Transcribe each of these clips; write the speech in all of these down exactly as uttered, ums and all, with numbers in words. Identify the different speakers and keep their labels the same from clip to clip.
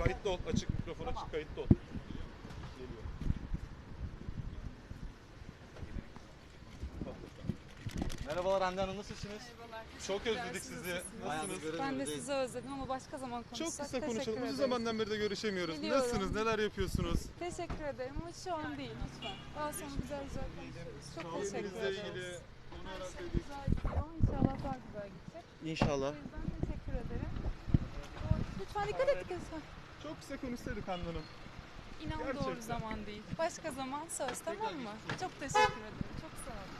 Speaker 1: Kayıtlı ol. Açık mikrofon açık, kayıtlı ol. Geliyor. Merhabalar Hande Hanım, nasılsınız?
Speaker 2: Merhabalar.
Speaker 1: Çok
Speaker 2: teşekkürler.
Speaker 1: özledik
Speaker 2: Siz
Speaker 1: sizi.
Speaker 2: nasılsınız?
Speaker 1: Nasılsınız?
Speaker 2: Ben de sizi özledim ama başka zaman konuşsak.
Speaker 1: Çok kısa
Speaker 2: Teşekkür
Speaker 1: konuşalım. Uzun
Speaker 2: ederim.
Speaker 1: zamandan beri de görüşemiyoruz.
Speaker 2: Biliyorum.
Speaker 1: Nasılsınız? Neler yapıyorsunuz?
Speaker 2: Teşekkür ederim ama şu an değil lütfen. Daha sonra güzel güzel konuşuruz. Çok teşekkür
Speaker 1: Sağlığınızla
Speaker 2: ederiz.
Speaker 1: ilgili onu
Speaker 2: Her şey
Speaker 1: öğrendik.
Speaker 2: güzel gidiyor. İnşallah daha güzel gidecek. O
Speaker 1: İnşallah.
Speaker 2: yüzden teşekkür ederim. Lütfen dikkat et lütfen.
Speaker 1: Çok kısa konuşsaydık Hande Hanım.
Speaker 2: İnan
Speaker 1: Gerçekten.
Speaker 2: doğru zaman değil. Başka zaman söz, tamam mı? Çok teşekkür ederim. Çok sağ olun.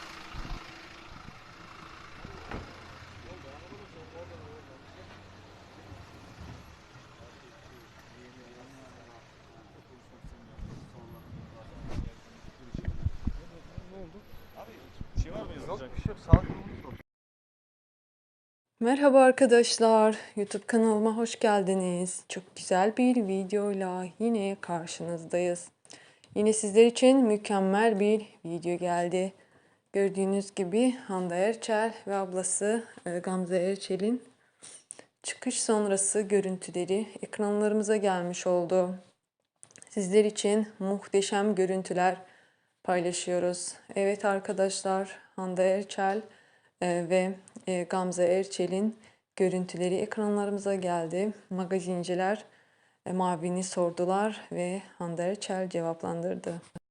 Speaker 1: Ne oldu? Abi bir şey var mı yazacak?
Speaker 3: Yok bir şey yok. Sağlık durumumuz.
Speaker 4: Merhaba arkadaşlar, YouTube kanalıma hoş geldiniz. Çok güzel bir videoyla yine karşınızdayız. Yine sizler için mükemmel bir video geldi. Gördüğünüz gibi Hande Erçel ve ablası e, Gamze Erçel'in çıkış sonrası görüntüleri ekranlarımıza gelmiş oldu. Sizler için muhteşem görüntüler paylaşıyoruz. Evet arkadaşlar, Hande Erçel e, ve e, Gamze Erçel'in görüntüleri ekranlarımıza geldi. Magazinciler e, Mavi'ni sordular ve Hande Erçel cevaplandırdı.